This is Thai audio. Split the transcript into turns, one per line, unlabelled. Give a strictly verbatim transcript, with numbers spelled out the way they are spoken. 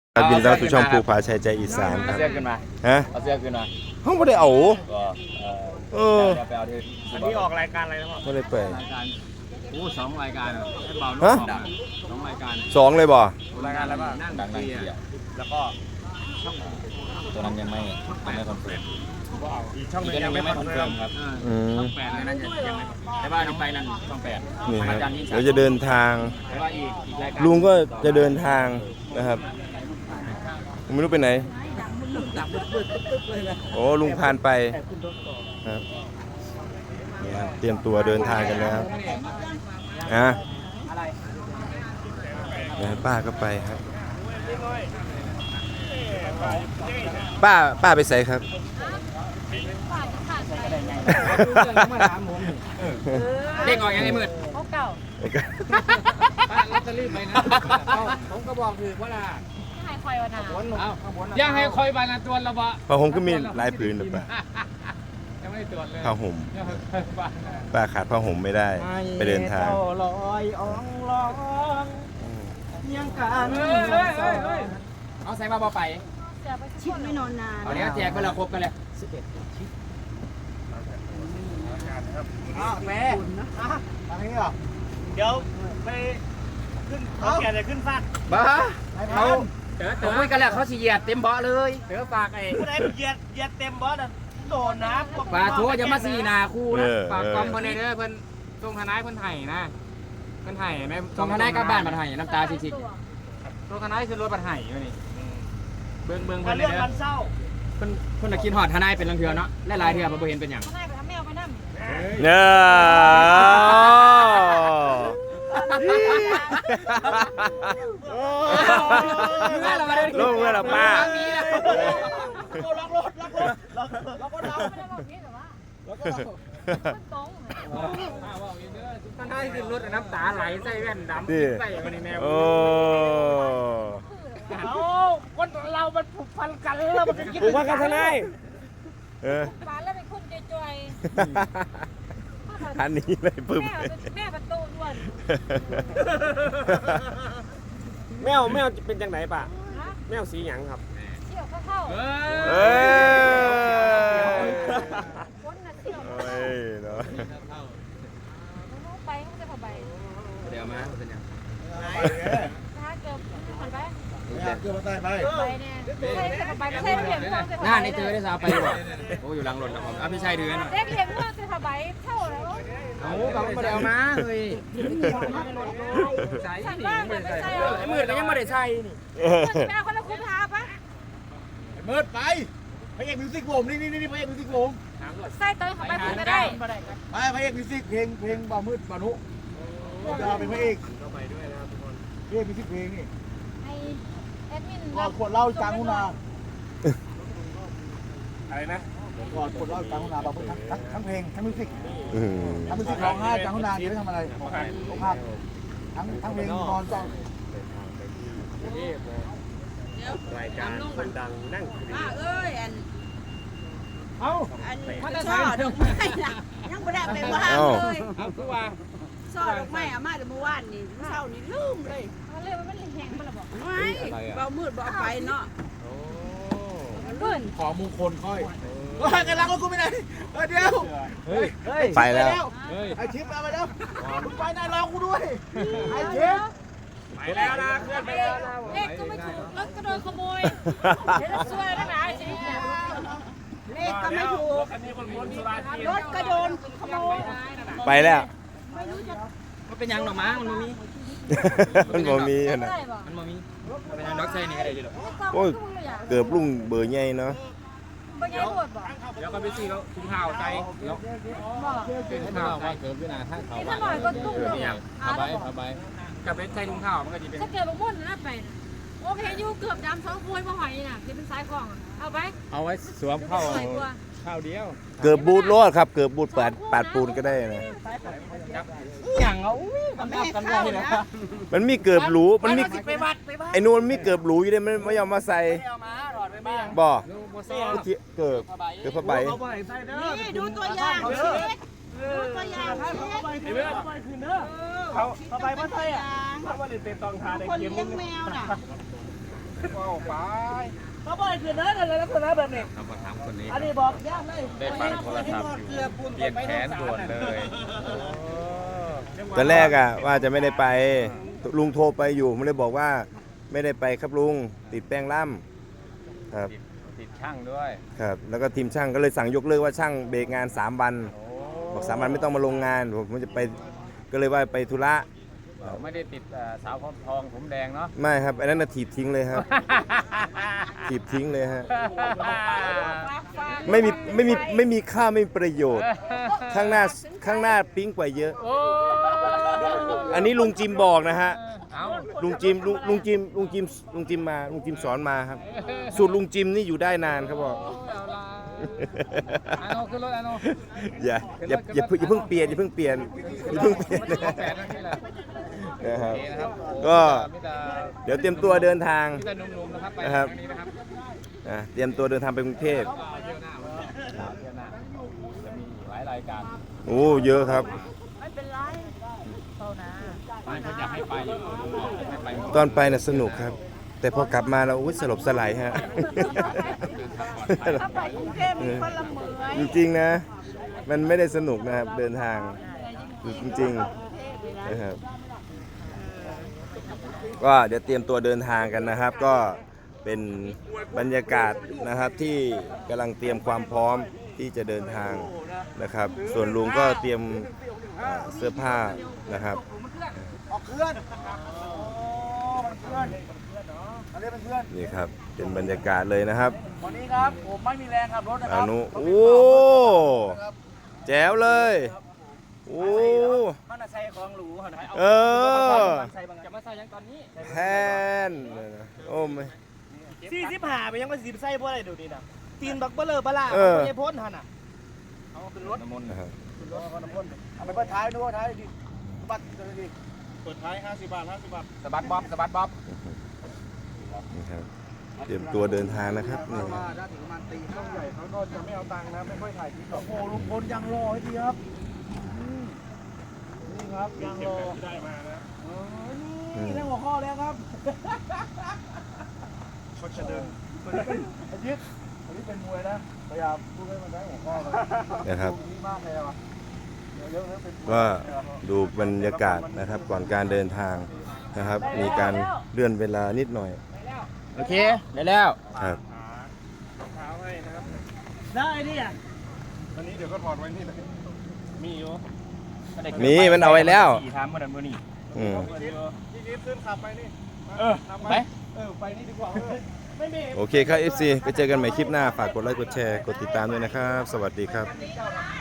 บินเราสู่ช่องภูผาชัยใจอีสานครับ
เอาเสื้อขึ้นมา
ฮะ
เอาเสื้อขึ้นมา
ห้องไม่ได้เอา
ก็เออ
เออ
เดี๋ยวไปเอาที่
อันนี้ออกรายการอะไรนะพ่อ
ไม่ได้ไป
รายการโอ้สองรายการให้เบา
ฮะ
ดังสองรายการ
สองเลยบ่
รายการอะไรบ้าง
นั่งดังนั่งเที่ยว
แล้วก็
ตัวนั้นยังไม่ยังไม่คอนเฟิร์ม
อีกช่องหนึง
ยั
ยัง ง
ไม่
ไม่
ค
ค
อ
อน น
เฟิ
เฟิ
ร์
ร์
ม
ม
ครับ
อืม
ช่องแปดเลยนั่นยังยังไม่แต่ว่านี่ไปนั่นช่องแปด
นี่ครับ
อาจารย์ยิ่งศัก
เดี๋ยว
ดิ์
จะเดินทาง
แต่ว่าอีกอีกรายการ
ลุงก็จะเดินทางนะครับผมไม่รู้ไปไหนโอ้ลุงพานไปครับนี่ครับเตรียมตัวเดินทางกันแล้วอ่ะนะป้าก็ไปครับ ป้าป้าไปใส่ครับ
เด้งออกยังไงมืด
เขาเก่า
ลอตเตอรี่ไปนะผมก็บอกคือว่า
หายคอยวันนา
ย่าให้คอยบานาตัวละบะ
ผ้าห่มก็มีหลายผืนหรือเปล่า
ยังไม่ได้ตรวจเลย
ผ้าห่มป้าขาดผ้าห่มไม่ได้ ไปเดินทาง
ลอยอ่องลองยังการ
เอาใส่มาบ่ไป
เสียไปชิดไม่นอนนาน
เอาเนี้ยแจกไปละครบกันเลย
อ้าวแม่ทางนี้เหรอเดี๋ยวไปขึ้นเขาแก่จะขึ้นฟาด
บ้าเขาเขาคุยกันแล้วเขาสิเหยียดเต็มเบาะเลยเดี๋ยวฝากไอ้
ผู้ใดเหยียดเหยียดเต็มบอสอะโดนนะ
ฝากทัวจะมาสีนาคู่นะ
เออ
ฝากกองเพิ่นเด้อเพิ่นตรงทนายเพิ่นไห้นะเพิ่นไห้แม่ตรงทนายกลับบ้านบัดไห้น้ำตาชิกๆตรงทนายคือรถบัดไห้อยู่นี่เบิ่งเบิ่ง
มั
เพิ่
น
น
เรื่
เด้
อง
อ
มันเศร้า
เพิ่นเพิ่นน่ะคิดฮอดทนายเป็นลังเทือเนาะหลายๆเทื่อบ่เห็นเป็นหยัง
เขาได้ไปทำแมวไปนั่ง
เนี่ยลงเมื่อละป้า
ล็อกรถล็อกรถล็อกล็อกรถเรา
ไม่ได้บอกนี้แต่ว่ามันตรง
ทนายขึ้นรถน้ำตาไหลใส่แว่นดำใส่มาในแมว
โอ้
เอาคนเรามันผูกพันกันแล้วมันจะคิดผูกพันกันทนาย
เออ
ปานแล้วเป็นคนจอย
อันนี้เลย
ๆ
ปึ๊บ
แม่เป็นแม่ประตูด้วน
แมวแมวเป็นจังไหนป่ะ
นะ
แมวสีหยังครับ
เที่ยวเข้า
เอ
เอ้ย
ๆคนน่ะเที่ยว
เอ้ยเนาะ
ไปมันจะพอใบ
เดี๋ยวมาเป็นยัง
นะคะเกือบผ่านไป
เกือบมาตายไป
ไปเนี่ยใช่จะพอใบไม่ใช่เหลี่ยมเมืองจะพอ
หน้าในเจอได้สาวไปบ่โอ้อยู่หลังรถครับผมอ่ะพี่ชายเดือน
เด็กเหลี่ยมเมืองจะพอใบเท่าแล้ว
เอาเขาไม่ได้เอามาเฮ้ย
ฉันว่างเลยไม่ใช่
ไอ้มืดก็ยังไม่ได้ใส่นี่
ไปเอาคนละคุ้มท้าปะ
มืดไปพระเอกมิวสิกผมนี่นี่นี่พระเอกมิวสิกผม
ใส่เตยเข้าไปคุณก็ได้
ไปพระเอกมิวสิกเพลงเพลงบ่าวมืดบ่าวนุผมจะเป็นพระเอกพระเอกมิวสิกเพลงนี่
ไอแอดมิน
ก่อนขวดเหล้าจางหุนาอะไรนะก่อนขวดเหล้าจางหุนาบ่าวมืดทั้งทั้งทั้งเพลงทั้งมิวสิก
อืม
ทั้งมิวสิกร้องไห้จางหุนาเดี๋ยวไปทำอะไรร้องไห้ทั้งทั้งเพลงนอนจ้อง
รายการคนดังนั่งคุย
ป้าเอ้ยอัน
เอ้า
อันช่อดอกไม้น่ะยังไม่ได้ไปว่างเลย
เอาคือว่า
ช่อดอกไม้เอามาแต่เมื่อวานนี่เช้านี่ลืมเลย
มันเรียกว่ามันแห้งมันระบอก
ไม่เบามืดเบาไปเนาะ
มันเบื่อ
ขอมงคลค่อยเฮ้ยกำลังรถกูไปไหนเฮ้ยเดี๋ยวเฮ้ยเฮ้ย
ไปแล้ว
ไอชิปเอาไปแล้วมึงไปนายรอกูด้วยไอชิปไปแล้วนะเคลื่อนไปแล้วนะ
เลขก็ไม่ถูกรถก็โดนขโมยเดี๋ยวจะซวยแล้วนะไอ้ชีวิตเนี่ย
เลขก็ไม่ถูก
อันนี้คนคนสุราจีน
รถก็โดนขโมย
ไปแล้ว
มันเป็นยังดอกม้ามันบ่มี
มันบ่มีข
ไม่
นาด
ได้บอก
มันบ่มีมันเป็นยังดอกไส้นี่ก็ได้ดิหรอก
โอ้ยเกือบลุงเบอร์ใหญ่เนาะ
บางอย่างปวดบอก
เดี๋ยวก็ไปซื้อแล้วถุงเท้าใส่เดี๋ยว
บอก
เป็นถุงเท้าใส่เกิดขึ้นหน้าทางเขา
นี่ถ้าหน่อยก็ตุ้มเลยอ่ะ
เอาไปเอาไปกับเป็นใส่ถุงเท้ามันก็จะเป็น
ถ้าเกิดบางมุ่นน่าไปนะโอเคอยู่เกือบดำสองพวยมาหอยน่ะที่เป็นสายกล่องเอาไป
เอาไว้สวมเข้า
สวยกว่า
ข้าวเดียว
เกือบบูดรอดครับ เกือบบูดปาดปาดปูนก็ได้นะ
อย่างเอามันแม่กันได้นะ
มันมีเกือบหรูมันมี
ไปวัดไปวัด
ไอ้นู่นมีเกือบหรูอยู่เลยมันไม่ยอมมาใส่
เอามาหลอดไปบ้าง
บ่
ดูโมเซ่
เมื่อกี้เกือบเกือบผ้าใบ
เอาไปใส่เด้อ
นี่ดูตัวอย่างชีวิตดูตัวอย่างชีวิต
เอาไปคืนเด้อเอาไปคืนเด้อเขาเอาไปมาใส่อ่ะเขาว่าเล่นเตะตองทาได้
คน
เกม
เลี้
นึ
ยง
ง
แมวน่ะ
เอาไปเขาบอกคือนะอะไรลักษณะแบบนี้
เรามาถามคนนี้
อันนี้บอกย่างได้
ได้ฟังโทรศัพท์อยู่เปลี่ยนแขนด่วนเลย
ตอนแรกอ่ะว่าจะไม่ได้ไปลุงโทรไปอยู่ผมเลยบอกว่าไม่ได้ไปครับลุงติดแป้งล่ำครับ
ติดติดช่างด้วย
ครับแล้วก็ทีมช่างก็เลยสั่งยกเลิกว่าช่างเบรกงานสามวัน
โอ้
บอกสามวันไม่ต้องมาลงงานผมจะไปก็เลยว่าไปธุระ
ไม่ได้ติดเอ่อสาวพร้อมทองผมแดงเนาะ
ไม่ครับอันนั้นน่ะถีบทิ้งเลยครับถีบทิ้งเลยฮะไม่มีไม่มีไม่มีค่าไม่มีประโยชน์ข้างหน้าข้างหน้าปิ๊งกว่าเยอะ
โอ้
อันนี้ลุงจิมบอกนะฮะ
เอา
ลุงจิมลุงลุงจิมลุงจิมลุงจิมมาลุงจิมสอนมาครับ สูตรลุงจิมนี่อยู่ได้นานครับบอก
เอาละอาโนขึ้นรถอาโน
อย่าอย่าอย่าเพิ่งอย่าเพิ่งเปลี่ยนอย่าเพิ่งเปลี่ยนอย่าเพิ่งเปลี่ยน
ไม่ต้องแปดนาทีละ
นะครับ
โอเคนะครับ
ก็
มิตร
เดี๋ยวเตรียมตัวเดินทาง
มิตรหนุ่มๆนะครับไป
นะครับ
ทางนี้นะครับ
อ่ะเตรียมตัวเดินทางไปกรุงเทพ
เที่ยวหน้าวันนี้เที่ยวหน้าจะมีหลายรายการ
โอ้เยอะครับ
ไม่เป็นไรเท่านะ
ไม่เขาอยากให้ไปอยู่ให้ไปหมด
ตอนไปน่ะสนุกครับ แต่พอกลับมาเราอุ้ยสลบสลายฮะ
ถ้าไปกรุงเทพมีคนละเมือ
จริงๆนะ มันไม่ได้สนุกนะครับเดินทางจริงๆนะครับก็เดี๋ยวเตรียมตัวเดินทางกันนะครับ ก็เป็นบรรยากาศนะครับที่กำลังเตรียมความพร้อมที่จะเดินทางนะครับ ส่วนลุงก็เตรียมเอ่อเสื้อผ้านะครับ
ออกเคลื่อนมันเคลื่อนอันนี้เป็นเคลื่อน
นี่ครับเป็นบรรยากาศเลยนะครับ
วันนี้ครับผมไม่มีแรงขับรถนะค
อ
รับ
นุโอ้แจ๋วเลยโอ้
มันใส่ของหรูเหรอ
เออ
ใส่บาง
จะมาใส่ยังตอนนี้
แพนโอ้ไม่
สี่สิบห้าไปยังมาสิบไส้เพราะอะไรดูนี่นะตีนบักเบลเลอร์ปลาล่า
เออ
ไม่ใช่พ่นหันอ่ะเอาขึ้นรถ
น้ำมนต์
นะครับ
ขึ้นรถเอาน้ำพ่นเอาไปเปิดท้ายดูท้ายดิบัตรดิเปิดท้ายห้าสิบบาทห้าสิบบาท
สะบัดบ๊อบสะบัดบ๊อบ
นี่ครับเตรียมตัวเดินทางนะครับนี่
ว่าถ้าถึงประมาณตีห้าใหญ่เขาก็จะไม่เอาตังค์นะไม่ค่อยถ่ายคลิปหรอกโอ้ลุงพลยังรอให้ดีครับอืมนี่ครับยังรอได้มานะนี่ได้หัวข้อแล้วครับเขาจะเดินตัวนี้เป็นอายิตตัวนี้เป็นมวยนะพยายามพูดให้มันได้หัวข้อเลย
นะครับ
ดีมากเลยอ่ะเดี๋ยวเดี๋ยวเดี๋ยวเป็นมวย
ก็ดูบรรยากาศนะครับก่อนการเดินทางนะครับ มีการเลื่อนเวลานิดหน่อย
โอเคได้แล้ว
ครับ
ได้ดิอ่ะ
อันนี้เดี๋ยวก็ถอดไว้นี่เลย
มีอยู่
มีมันเอาไว้แล้ว
สี่ทามเมื่อนั้นเมื่อนี้
อืม
พี่นิดขึ้นขับไปนี่
เออไป
เออไปนี่ดีกว่าไม่มี
โอเคครับ เอฟ ซี ไปเจอกันใหม่คลิปหน้า ฝากกดไลค์ กดแชร์ กดติดตามด้วยนะครับ สวัสดีครับ